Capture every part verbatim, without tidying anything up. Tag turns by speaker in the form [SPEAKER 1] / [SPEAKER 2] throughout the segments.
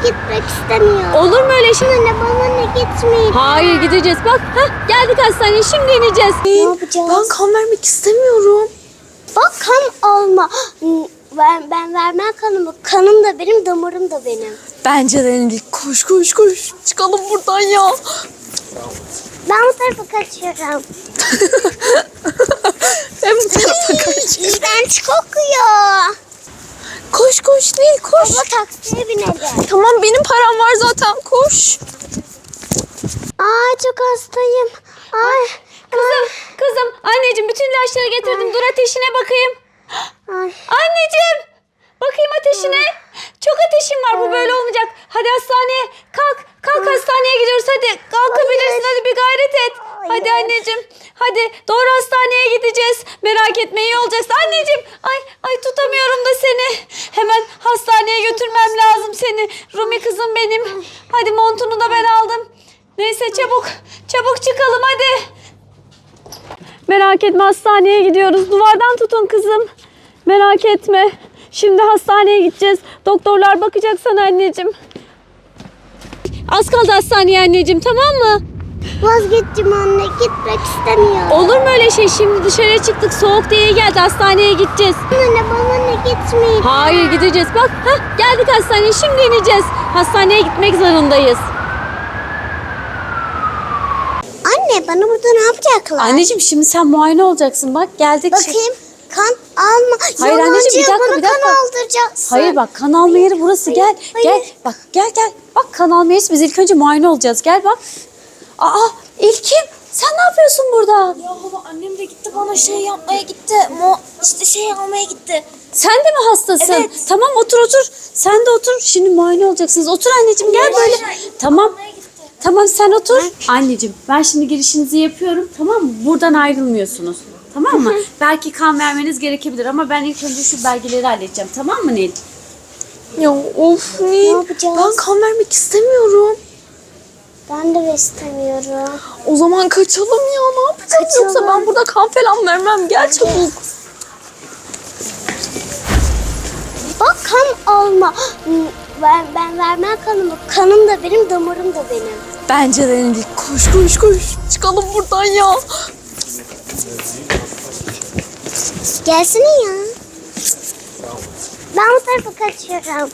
[SPEAKER 1] gitmek istemiyorum.
[SPEAKER 2] Olur mu öyle şey?
[SPEAKER 1] Anne bana ne gitmeyin.
[SPEAKER 2] Hayır gideceğiz. Bak heh, geldik hastaneye, şimdi ineceğiz.
[SPEAKER 1] Ne yapacağız?
[SPEAKER 3] Ben kan vermek istemiyorum.
[SPEAKER 1] Bak kan alma. Ben, ben vermem kanımı. Kanım da benim, damarım da benim.
[SPEAKER 3] Bence de Nil. Koş koş koş. Çıkalım buradan ya.
[SPEAKER 1] Ben bu tarafa kaçıyorum.
[SPEAKER 3] Ben bu tarafa kaç.
[SPEAKER 1] İğrenç kokuyor.
[SPEAKER 3] Koş koş Nil koş.
[SPEAKER 1] Baba taksiye binelim.
[SPEAKER 3] Tamam benim param var zaten koş.
[SPEAKER 1] Ay çok hastayım. Ay.
[SPEAKER 2] Kızım, kızım, anneciğim bütün ilaçları getirdim. Dur ateşine bakayım.
[SPEAKER 1] Ay.
[SPEAKER 2] Anneciğim, bakayım ateşine. Çok ateşim var, bu böyle olmayacak. Hadi hastaneye kalk. Kalk hastaneye gidiyoruz hadi. Kalkabilirsin, hadi bir gayret et. Hadi anneciğim. Hadi doğru hastaneye gideceğiz. Merak etme, iyi olacaksın. Anneciğim, ay ay tutamıyorum da seni. Hemen hastaneye götürmem lazım seni. Rumi kızım benim. Hadi montunu da ben aldım. Neyse çabuk. Çabuk çıkalım hadi. Merak etme, hastaneye gidiyoruz. Duvardan tutun kızım. Merak etme. Şimdi hastaneye gideceğiz. Doktorlar bakacak sana anneciğim. Az kaldı hastaneye anneciğim, tamam mı?
[SPEAKER 1] Vazgeçtim anne, gitmek istemiyorum.
[SPEAKER 2] Olur mu öyle şey? Şimdi dışarıya çıktık. Soğuk diye iyi geldi. Hastaneye gideceğiz.
[SPEAKER 1] Anne bana ne gitmeyin.
[SPEAKER 2] Hayır gideceğiz. Bak heh, geldik hastaneye. Şimdi ineceğiz. Hastaneye gitmek zorundayız.
[SPEAKER 1] Anne bana burada ne yapacaklar?
[SPEAKER 2] Anneciğim şimdi sen muayene olacaksın. Bak geldik.
[SPEAKER 1] Bakayım kan alma.
[SPEAKER 2] Hayır
[SPEAKER 1] Yalancı,
[SPEAKER 2] anneciğim, bir dakika,
[SPEAKER 1] bana
[SPEAKER 2] bir dakika.
[SPEAKER 1] kan aldıracaksın.
[SPEAKER 2] Hayır bak, kan alma yeri burası.
[SPEAKER 1] Hayır,
[SPEAKER 2] Gel.
[SPEAKER 1] hayır.
[SPEAKER 2] Gel. Bak gel gel. Bak kan alma yeri. Biz ilk önce muayene olacağız. Gel bak. Aa İlkim, sen ne yapıyorsun burada?
[SPEAKER 3] Ya baba annem de gitti bana şey yapmaya gitti. Mo işte şey almaya gitti.
[SPEAKER 2] Sen de mi hastasın?
[SPEAKER 3] Evet.
[SPEAKER 2] Tamam otur otur. Sen de otur. Şimdi muayene olacaksınız. Otur anneciğim, gel böyle. Tamam. Tamam sen otur. Anneciğim ben şimdi girişinizi yapıyorum. Tamam mı? Buradan ayrılmıyorsunuz. Tamam mı? Belki kan vermeniz gerekebilir ama ben ilk önce şu belgeleri halledeceğim. Tamam mı Nil?
[SPEAKER 3] Ya of Nil.
[SPEAKER 1] yapacağız?
[SPEAKER 3] Ben kan vermek istemiyorum.
[SPEAKER 1] Ben de istemiyorum.
[SPEAKER 3] O zaman kaçalım ya, ne yapacağız?
[SPEAKER 1] Kaçalım.
[SPEAKER 3] Yoksa ben burada kan falan vermem. Gel çabuk.
[SPEAKER 1] Bak kan alma. Ben, ben vermem kanımı. Kanım da benim, damarım da benim.
[SPEAKER 3] Bence de Nil. Koş koş koş. Çıkalım buradan ya.
[SPEAKER 1] Gelsene ya. Ben bu tarafa kaçıyorum.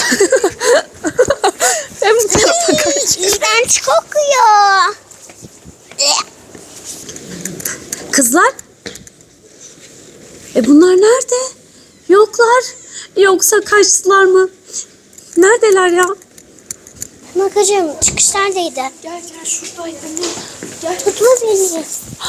[SPEAKER 3] Ben bu tarafa kaç.
[SPEAKER 1] İğrenç kokuyor.
[SPEAKER 2] Kızlar? E bunlar nerede? Yoklar. Yoksa kaçtılar mı? Neredeler ya?
[SPEAKER 1] Bakacağım çıkışlardaydı.
[SPEAKER 3] Gel gel şuradaydı. Gel.
[SPEAKER 1] Tutma beni.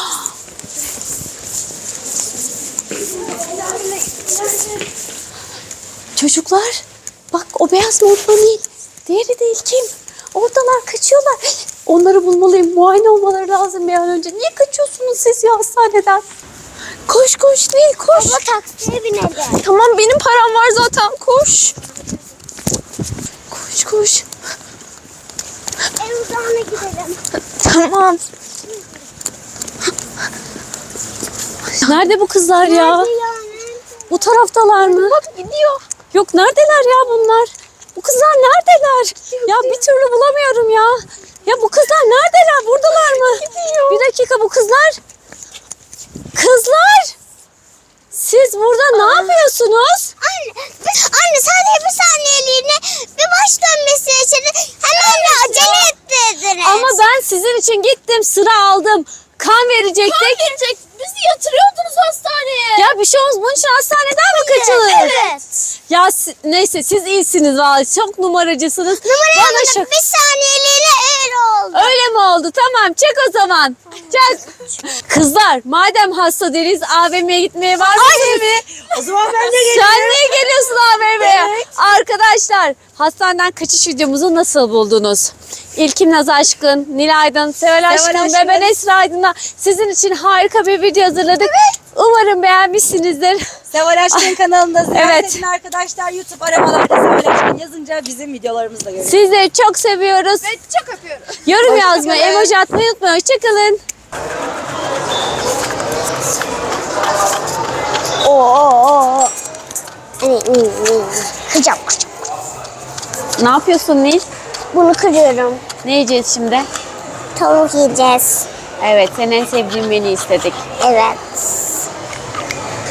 [SPEAKER 2] Çocuklar, bak o beyaz montlu değil. Diğeri değil, kim? Oradalar, kaçıyorlar. Onları bulmalıyım. Muayene olmaları lazım bir an önce. Niye kaçıyorsunuz siz ya hastaneden? Koş koş Nil, koş.
[SPEAKER 1] Baba taksiye binelim.
[SPEAKER 3] Tamam benim param var zaten. Koş. Koş koş.
[SPEAKER 1] En uzağına gidelim.
[SPEAKER 3] Tamam.
[SPEAKER 2] Nerede bu kızlar ya?
[SPEAKER 1] Nerede ya? Nerede?
[SPEAKER 2] Bu taraftalar mı?
[SPEAKER 3] Bak gidiyor.
[SPEAKER 2] Yok, neredeler ya bunlar? Bu kızlar neredeler? Ya bir türlü bulamıyorum ya. Ya bu kızlar neredeler? Buradalar mı?
[SPEAKER 3] Gidiyor.
[SPEAKER 2] Bir dakika, bu kızlar. Kızlar! Siz burada ne yapıyorsunuz?
[SPEAKER 1] Anne, anne sadece bir saniyeliğine bir baş dönmesi için hemen de acele ettirdiniz.
[SPEAKER 2] Ama ben sizin için gittim, sıra aldım. Kan verecektik.
[SPEAKER 3] Kan verecek. Bizi yatırıyordunuz hastaneye.
[SPEAKER 2] Ya bir şey olmaz. Bunun için hastaneden mi kaçılır?
[SPEAKER 1] Evet.
[SPEAKER 2] Ya si- neyse, siz iyisiniz vallahi. Çok numaracısınız. Bana
[SPEAKER 1] Numarayı
[SPEAKER 2] şak-
[SPEAKER 1] bir saniyeliğine öyle oldu.
[SPEAKER 2] Öyle mi oldu? Tamam, çek o zaman. Çek. Kızlar, madem hasta değiliz, A V M'ye gitmeye var mısınız?
[SPEAKER 3] O zaman ben de
[SPEAKER 2] Sen niye geliyorsun A V M'ye? Arkadaşlar, hastaneden kaçış videomuzu nasıl buldunuz? İlkim Naz Aşkın, Nil Aydın, Seval Aşkın
[SPEAKER 3] Aşkın.
[SPEAKER 2] ve ben Esra Aydın'la sizin için harika bir video hazırladık. Umarım beğenmişsinizdir.
[SPEAKER 4] Seval Aşkın kanalında ziyaret
[SPEAKER 2] Evet.
[SPEAKER 4] edin arkadaşlar. YouTube aramalarda Seval Aşkın yazınca bizim videolarımızı da görüyorsunuz.
[SPEAKER 2] Sizleri çok seviyoruz.
[SPEAKER 4] Ve çok öpüyorum.
[SPEAKER 2] Yorum yazmayı, emoji atmayı unutmayın. Hoşçakalın.
[SPEAKER 1] Oo. Hani, kıcam kıcam.
[SPEAKER 2] Ne yapıyorsun Nil?
[SPEAKER 1] Bunu kırıyorum.
[SPEAKER 2] Ne yiyeceğiz şimdi?
[SPEAKER 1] Tavuk yiyeceğiz.
[SPEAKER 2] Evet, senin en sevdiğin menü istedik.
[SPEAKER 1] Evet.